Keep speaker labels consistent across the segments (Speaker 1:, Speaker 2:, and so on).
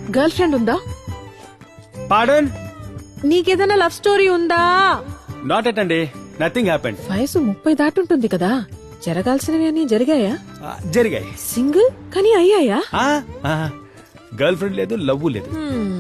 Speaker 1: Girl friend ఉందా?
Speaker 2: Pardon?
Speaker 1: నీకేదైనా love story ఉందా?
Speaker 2: నాట్ ఎట్ అండి, నథింగ్ హ్యాపెండ్.
Speaker 1: వయసు 30 దాటుంటుంది కదా, జరగాల్సినవి అని జరిగాయా?
Speaker 2: జరిగాయి.
Speaker 1: సింగిల్ కానీ అయ్యాయా?
Speaker 2: గర్ల్ ఫ్రెండ్ లేదు, లవ్ లేదు.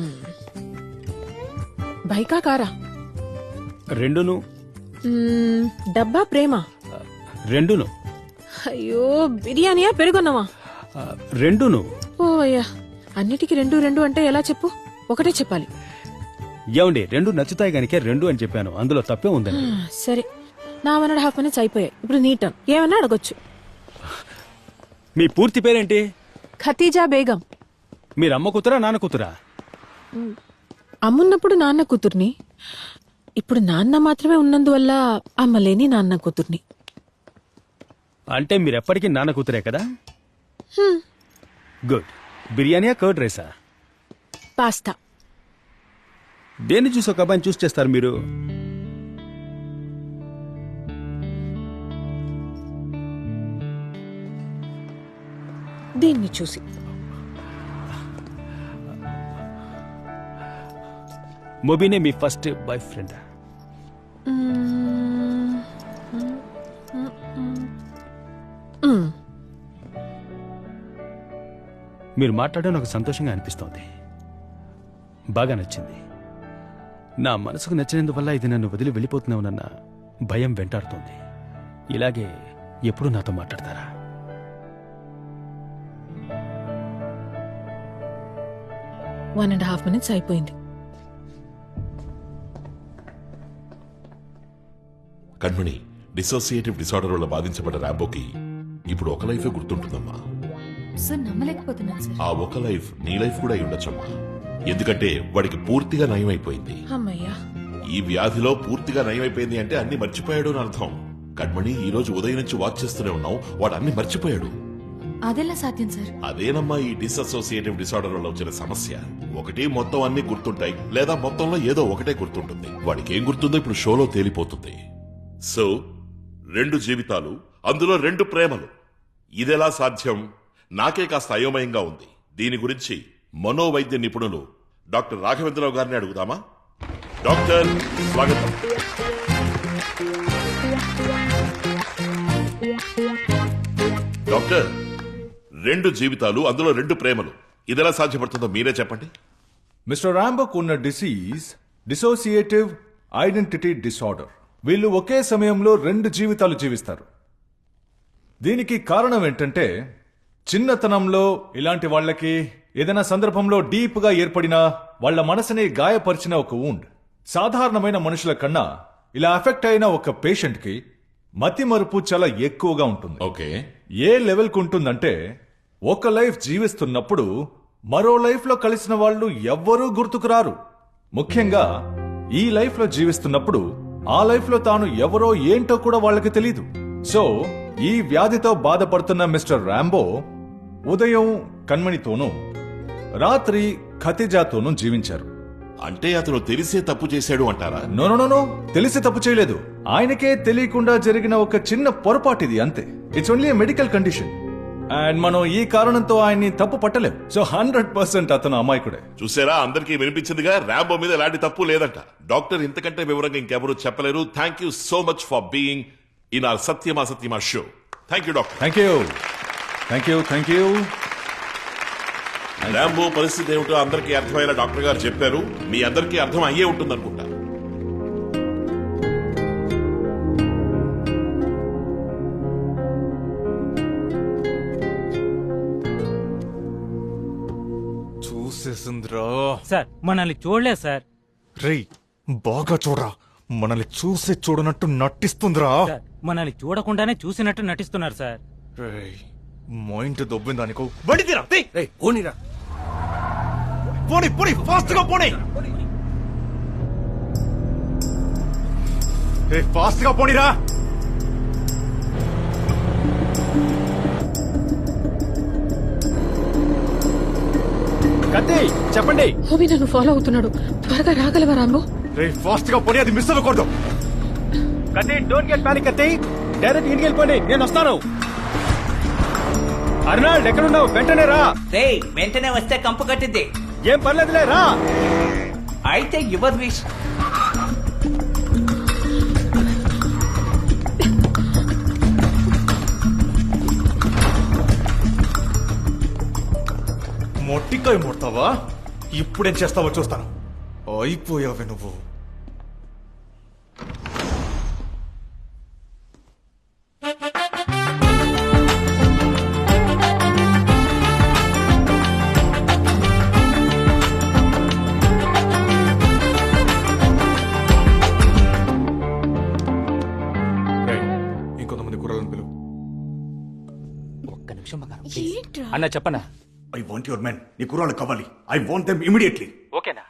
Speaker 1: బైకా కారా?
Speaker 2: రెండును.
Speaker 1: డబ్బా ప్రేమ?
Speaker 2: రెండును.
Speaker 1: అయ్యో, బిర్యానీయా పెరుగున్నావా?
Speaker 2: రెండును.
Speaker 1: ఓ అయ్యా, అన్నిటికీ రెండు రెండు అంటే ఎలా చెప్పు? ఒకటే చెప్పాలి.
Speaker 2: ఏమండి, రెండు నచ్చుతాయి గనికే రెండు అని చెప్పాను, అందులో తప్పే ఉందండి.
Speaker 1: సరే, నా 1.5 minutes అయిపోయాయి. ఇప్పుడు నీ టర్న్. ఏమన్నా అడగొచ్చు.
Speaker 2: మీ పూర్తి పేరేంటి?
Speaker 1: ఖతీజా బేగం.
Speaker 2: మీరు అమ్మ కూతురా నాన్న కూతురా?
Speaker 1: అమ్మున్నప్పుడు నాన్న కూతుర్ని, ఇప్పుడు నాన్న మాత్రమే ఉన్నందువల్ల అమ్మలేని నాన్న కూతుర్ని.
Speaker 2: అంటే మీరు ఎప్పటికీ నాన్న కూతురే కదా? గుడ్. బిర్యానీయా కర్డ్ రైసా?
Speaker 1: పాస్తా.
Speaker 2: దేన్ని చూసి ఒక అబ్బాయిని చూస్ చేస్తారు మీరు?
Speaker 1: దీన్ని చూసి.
Speaker 2: మొబీనే మీ ఫస్ట్ బాయ్ ఫ్రెండ్? మీరు మాట్లాడడం నాకు సంతోషంగా అనిపిస్తోంది, బాగా నచ్చింది. నా మనసుకు నచ్చినందువల్ల ఇది నన్ను వదిలి వెళ్ళిపోతున్నావునన్న భయం వెంటాడుతోంది. ఇలాగే ఎప్పుడు నాతో మాట్లాడతారా?
Speaker 1: వన్ అండ్ హాఫ్ మినిట్స్ అయిపోయింది.
Speaker 3: కణ్మణి, డిసోసియేటివ్ డిసార్డర్ వల్ల బాధించబడ్డ రాంబోకి ఇప్పుడు ఒక లైఫే గుర్తుంటుందమ్మా.
Speaker 4: సార్ నమ్మలేకపోతున్నాను సార్.
Speaker 3: ఆ ఒక లైఫ్ నీ లైఫ్ కూడా అయి ఉండొచ్చమ్మా. ఎందుకంటే వాడికి పూర్తిగా నయమైపోయింది.
Speaker 1: అమ్మయ్యా,
Speaker 3: ఈ వ్యాధిలో పూర్తిగా నయమైపోయింది అంటే అన్ని మర్చిపోయాడు అని అర్థం. కణ్మణి, ఈ రోజు ఉదయం నుంచి వాచ్ చేస్తూనే ఉన్నావు, వాడు అన్ని మర్చిపోయాడు.
Speaker 4: అదెలా సాధ్యం సార్?
Speaker 3: అదేనమ్మా ఈ డిసోసియేటివ్ డిసార్డర్ వల్ల వచ్చిన సమస్య. ఒకటి మొత్తం అన్ని గుర్తుంటాయి, లేదా మొత్తంలో ఏదో ఒకటే గుర్తుంటుంది. వాడికి ఏం గుర్తుందో ఇప్పుడు షోలో తేలిపోతుంది. సో 2 జీవితాలు, అందులో 2 ప్రేమలు. ఇదెలా సాధ్యం? నాకే కాస్త అయోమయంగా ఉంది. దీని గురించి మనోవైద్య నిపుణులు డాక్టర్ రాఘవేంద్రరావు గారిని అడుగుదామా? డాక్టర్, స్వాగతం. డాక్టర్, 2 జీవితాలు, అందులో 2 ప్రేమలు. ఇదెలా సాధ్యపడుతుందో మీరే చెప్పండి.
Speaker 5: మిస్టర్ రాంబోకు ఉన్న డిసీజ్ డిసోసియేటివ్ ఐడెంటిటీ డిసార్డర్. వీళ్ళు ఒకే సమయంలో 2 జీవితాలు జీవిస్తారు. దీనికి కారణం ఏంటంటే, చిన్నతనంలో ఇలాంటి వాళ్ళకి ఏదైనా సందర్భంలో డీప్ గా ఏర్పడిన వాళ్ల మనసుని గాయపరిచిన ఒక వూండ్. సాధారణమైన మనుషుల కన్నా ఇలా అఫెక్ట్ అయిన ఒక పేషెంట్ కి మతి మరుపు చాలా ఎక్కువగా ఉంటుంది.
Speaker 3: ఓకే.
Speaker 5: ఏ లెవెల్ కు ఉంటుందంటే, ఒక లైఫ్ జీవిస్తున్నప్పుడు మరో లైఫ్ లో కలిసిన వాళ్ళు ఎవ్వరూ గుర్తుకురారు. ముఖ్యంగా ఈ లైఫ్ లో జీవిస్తున్నప్పుడు ఆ లైఫ్ లో తాను ఎవరో ఏంటో కూడా వాళ్ళకి తెలీదు. సో ఈ వ్యాధితో బాధపడుతున్న మిస్టర్ రాంబో ఉదయం కణ్మణితోనూ రాత్రి ఖతీజాతోనూ జీవించారు.
Speaker 3: అంటే అతను తెలిసే తప్పు చేశాడు అంటారా?
Speaker 5: నో, తెలిసి తప్పు చేయలేదు. ఆయనకే తెలియకుండా జరిగిన ఒక చిన్న పొరపాటు ఇది, అంతే. It's only medical condition and మనం ఈ కారణంతో ఆయన్ని తప్పు పట్టలేం. సో 100% అతను అమాయకుడే.
Speaker 3: చూసారా, అందరికీ వినిపించిందిగా, రాంబో మీద ఎలాంటి తప్పు లేదంట. డాక్టర్ ఇంతకంటే వివరంగా ఇంకెవరూ చెప్పలేరు. Thank you so much for being in our Satyama Satyama show. Thank you doctor.
Speaker 5: Thank you.
Speaker 3: Rambo పరిస్థితి ఏమిటో అందరికీ అర్థమయ్యేలా డాక్టర్ గారు చెప్పారు. మీ అందరికీ అర్థం అయ్యే ఉంటుంది అనుకుంటా.
Speaker 6: చూసేసిందిరా
Speaker 7: సార్. మనల్ని చూడలేదు సార్.
Speaker 6: రేయ్, బాగా చూడరా, మనల్ని చూసి చూడనట్టు నటిస్తుందిరా.
Speaker 7: సార్, మనల్ని చూడకుండానే చూసినట్టు నటిస్తున్నారు సార్.
Speaker 6: రేయ్, మైండ్ దొబ్బిందా నీకు?
Speaker 2: బండితీరా, పోనీరా, పోనీ ఫాస్ట్ గా పోనీ.
Speaker 6: ఫాస్ట్ గా పోనీరా.
Speaker 2: కత్తి చెప్పండి.
Speaker 1: హోబీ నన్ను ఫాలో అవుతున్నాడు, త్వరగా రాగలవా రాంబో?
Speaker 6: రేయ్, ఫాస్ట్ గా పోనీ, అది మిస్ అవ్వకూడదు.
Speaker 2: కత్తి, డోంట్ గెట్ పానిక్ కత్తి, డైరెక్ట్ ఇంటికి వెళ్ళిపోండి, నేను వస్తాను. అర్నాల్డ్ ఎక్కడున్నావు? వెంటనే రా.
Speaker 8: వెంటనే వస్తే కంపు కట్టిద్ది.
Speaker 2: ఏం పర్లేదులే రా.
Speaker 8: అయితే యువర్ విష్.
Speaker 6: మొట్టికాయ ముడతావా? ఇప్పుడేం చేస్తావో చూస్తాను. అయిపోయావే నువ్వు. రేయ్, ఇంకొంతమంది కుర్రాలను పిలువు.
Speaker 7: ఒక్క నిమిషం బంగారం, please. అన్న చెప్పనా?
Speaker 6: I want your men. నీ కుర్రాళ్ళు కావాలి. I want them immediately.
Speaker 7: ఓకేనా?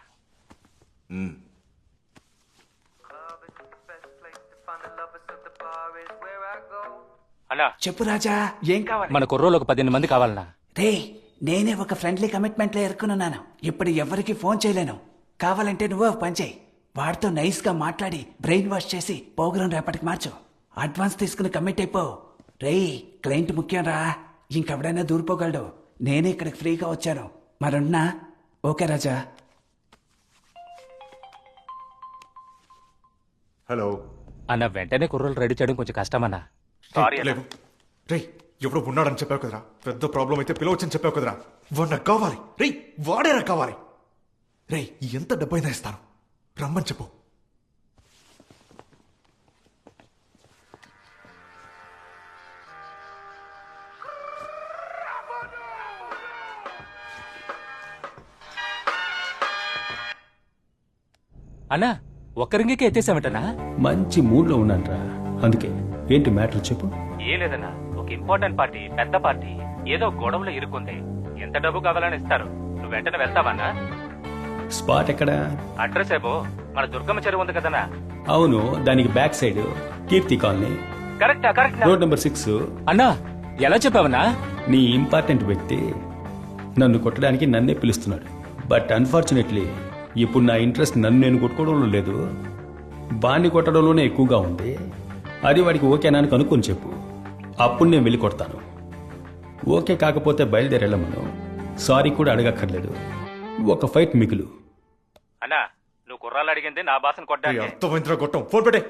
Speaker 7: అన్నా
Speaker 8: చెప్పు రాజా, ఏం కావాలి?
Speaker 7: మన కుర్రోలు ఒక 18 మంది కావాలన్నా.
Speaker 8: రే, నేనే ఒక ఫ్రెండ్లీ కమిట్మెంట్ లో ఎరుకున్నాను. ఇప్పుడు ఎవరికి ఫోన్ చేయలేను. కావాలంటే నువ్వు ఒక పని చేయి. వాడితో నైస్ గా మాట్లాడి బ్రెయిన్ వాష్ చేసి ప్రోగ్రాం రేపటికి మార్చు. అడ్వాన్స్ తీసుకుని కమిట్ అయిపో. రేయ్, క్లయింట్ ముఖ్యం రా. ఇంకెవడైనా దూరిపోగలడు. నేనే ఇక్కడికి ఫ్రీగా వచ్చాను. మరున్నా? ఓకే రాజా.
Speaker 6: హలో.
Speaker 7: అన్న వెంటనే కుర్రోలు రెడీ చేయడం కొంచెం కష్టమన్నా.
Speaker 6: లేవు. రేయ్, ఎవడో ఉన్నాడని చెప్పావు కదరా. పెద్ద ప్రాబ్లం అయితే పిలవచ్చని చెప్పావు కదరా. వాడు నాకు కావాలి. రేయ్, వాడే నాకు కావాలి. రేయ్, ఎంత డబ్బైనా ఇస్తాను. రమ్మని చెప్పు.
Speaker 7: అన్నా ఒక్క రింగికే ఎత్తేసామటనా?
Speaker 2: మంచి మూడ్ లో ఉన్నానరా. అందుకే ఏంటి మ్యాటర్ చెప్పు.
Speaker 7: ఏ లేదన్నా, ఒక ఇంపార్టెంట్ పార్టీ, పెద్ద పార్టీ ఏదో గొడవలో ఇరుక్కుంది. ఎంత డబ్బు కావాలని ఇస్తారు. నువ్వు వెంటనే వెళ్తావన్నా?
Speaker 2: స్పాట్ ఎక్కడా?
Speaker 7: అడ్రస్ ఏమో మన దుర్గమ్మ చెరువు ఉంది కదన్నా.
Speaker 2: అవును, దానికి బ్యాక్ సైడ్ కీర్తి కాలనీ,
Speaker 7: కరెక్టా? Correct
Speaker 2: road number 6.
Speaker 7: అన్నా ఎలా చెప్పావన్నా?
Speaker 2: నీ ఇంపార్టెంట్ వ్యక్తి నన్ను కొట్టడానికి నన్నే పిలుస్తున్నాడు. బట్ అన్ఫార్చునేట్లీ ఇప్పుడు నా ఇంట్రెస్ట్ నన్ను నేను కొట్టుకోవడంలో లేదు, బాణ్ణి కొట్టడంలోనే ఎక్కువగా ఉంది. అది వాడికి ఓకేనా అని కనుక్కొని చెప్పు. అప్పుడు నేను వెళ్ళి కొడతాను. ఓకే కాకపోతే బయలుదేరేళ్ళమను. సారీ కూడా అడగక్కర్లేదు. ఒక ఫైట్ మిగులు.
Speaker 7: అన్నా నువ్వు కుర్రాలు అడిగింది నా బాసను
Speaker 6: రేయ్,
Speaker 7: కొట్టడానికి.
Speaker 6: అర్థమైందిరా గొట్టం. ఫోన్ పెట్టే.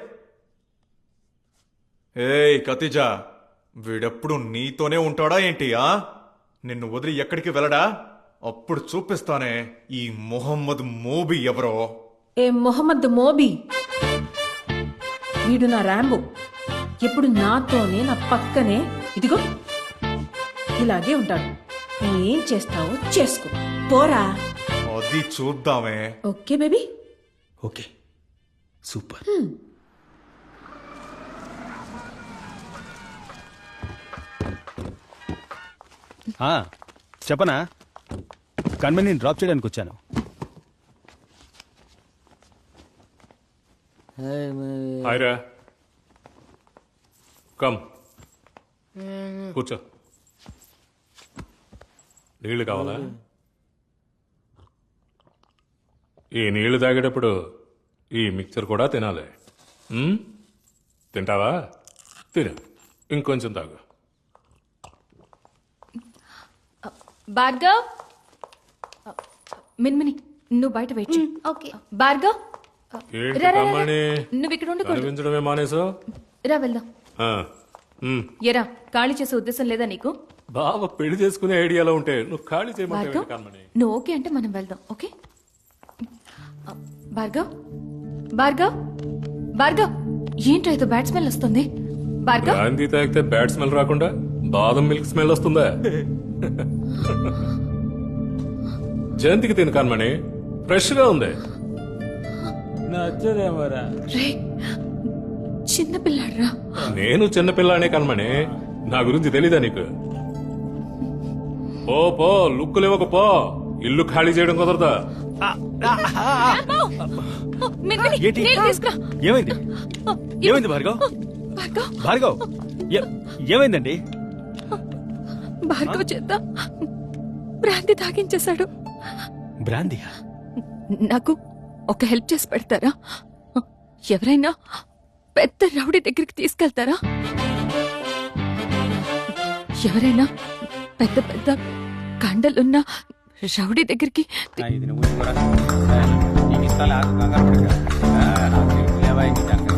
Speaker 6: ఏయ్ ఖతీజా, వీడెప్పుడు నీతోనే ఉంటాడా ఏంటి? నిన్ను వదిలి ఎక్కడికి వెళ్ళడా? అప్పుడు చూపిస్తానే ఈ మొహమ్మద్ మోబీ ఎవరో.
Speaker 1: ఏ మొహమ్మద్ మోబీ? వీడు నా ర్యాంబో. ఎప్పుడు నాతోనే, నా పక్కనే, ఇదిగో ఇలాగే ఉంటాడు. నువ్వు ఏం చేస్తావో చేసుకో, పోరా.
Speaker 6: అది చూద్దామే.
Speaker 1: Okay baby.
Speaker 2: Okay, super. చెప్పనా? కన్వెని డ్రాప్ చేయడానికి వచ్చాను.
Speaker 9: హాయ్రా, కమ్ కూర్చో. నీళ్లు కావాలా? ఈ నీళ్లు తాగేటప్పుడు ఈ మిక్చర్ కూడా తినాలి. తింటావా? తిను, ఇంకొంచెం తాగు.
Speaker 4: భార్గవ్, మిన్మిని నువ్వు బయట వెయిట్ చేయి. ఓకే భార్గవ్,
Speaker 9: ఏంటి
Speaker 4: రా, రా, రా.
Speaker 9: కమ్మని
Speaker 4: నువ్వు ఇక్కడ ఉండకూడదు.
Speaker 9: కనిపించడమే మానేసో?
Speaker 4: రా వెళ్దాం. ఎరా, ఖాళీ చేసే ఉద్దేశం లేదా నీకు?
Speaker 9: బావ పెళ్లి చేసుకునే ఐడియాలో ఉంటే నువ్వు ఖాళీ చేయమంటే
Speaker 4: భార్గవ్,
Speaker 9: కమ్మని.
Speaker 4: నువ్వు ఓకే అంటే మనం వెళ్దాం. ఓకే భార్గవ్, భార్గవ్, భార్గవ్, ఏంట్రా ఇది బ్యాడ్ స్మెల్ వస్తుంది? భార్గవ్,
Speaker 9: గాంధీ తాగితే బ్యాడ్ స్మెల్ రాకుండా బాదం మిల్క్ స్మెల్ వస్తుందా? జయంతికి తిను కన్మణి, ఫ్రెష్ గా ఉంది.
Speaker 7: నచ్చదేమోరా.
Speaker 4: రే చిన్న పిల్లాడ్రా.
Speaker 9: నేను చిన్నపిల్లానే కన్మణి, నా గురించి తెలీదా నీకు? పో పో, లుక్కులు ఇవ్వక పో. ఇల్లు ఖాళీ చేయడం కుదరదా?
Speaker 4: మిన్మిని,
Speaker 2: ఏంటి?
Speaker 4: నీళ్ళు తీసుకురా.
Speaker 2: ఏమైంది? ఏమైంది భార్గవ్?
Speaker 4: భార్గవ్,
Speaker 2: భార్గవ్, ఏమైందండి?
Speaker 4: భార్గవ్ చేత భ్రాంతి తాగించేశాడు.
Speaker 2: బ్రాందియా?
Speaker 4: నాకు ఒక హెల్ప్ చేసి పెడతారా? ఎవరైనా పెద్ద రౌడీ దగ్గరికి తీసుకెళ్తారా? ఎవరైనా పెద్ద పెద్ద కండలున్న రౌడీ దగ్గరికి
Speaker 7: ఇది నువ్వు ఊరుకోరా. నీకు ఇస్తాలే, ఆగు, కంగారు పడకు. నాకు తెలుసులేవా ఇంక సంగతి.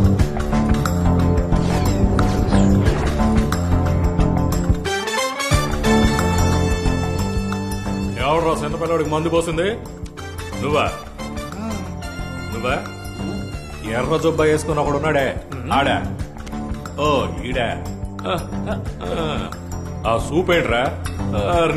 Speaker 9: ఎవడరా చిన్న పిల్లడికి మందు పోసింది? నువ్వా? నువ్వా? ఎర్ర జుబ్బా వేసుకుని ఒకడు ఉన్నాడే ఆడా? ఓ ఈడా? ఆ సూప్ ఏంట్రా?